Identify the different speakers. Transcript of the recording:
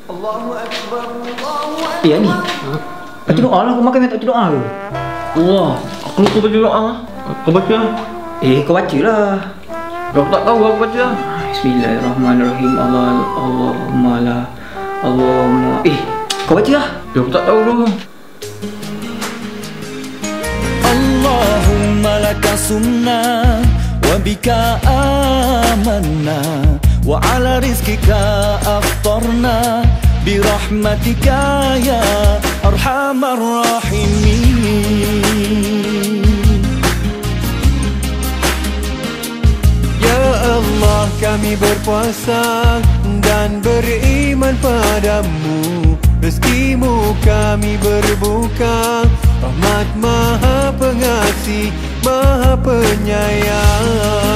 Speaker 1: Allahu Akbar, Allahu Akbar.
Speaker 2: Ya ni. Baca doa lah, kau makan tak baca doa ke?
Speaker 3: Allah, aku lupa baca doa. Kau baca.
Speaker 2: Kau baca lah.
Speaker 3: Aku tak tahu aku baca.
Speaker 2: Bismillahirrahmanirrahim. Allahumma la. Allahumma. Kau baca lah.
Speaker 3: Aku tak tahu dulu.
Speaker 4: Allahumma laka sumna wa bika amanna wa ala rizkika aftarna birahmatika ya arhamar rahimin.
Speaker 1: Ya Allah, kami berpuasa dan beriman padamu. Rezekimu kami berbuka, rahmat Maha Pengasih, Maha Penyayang.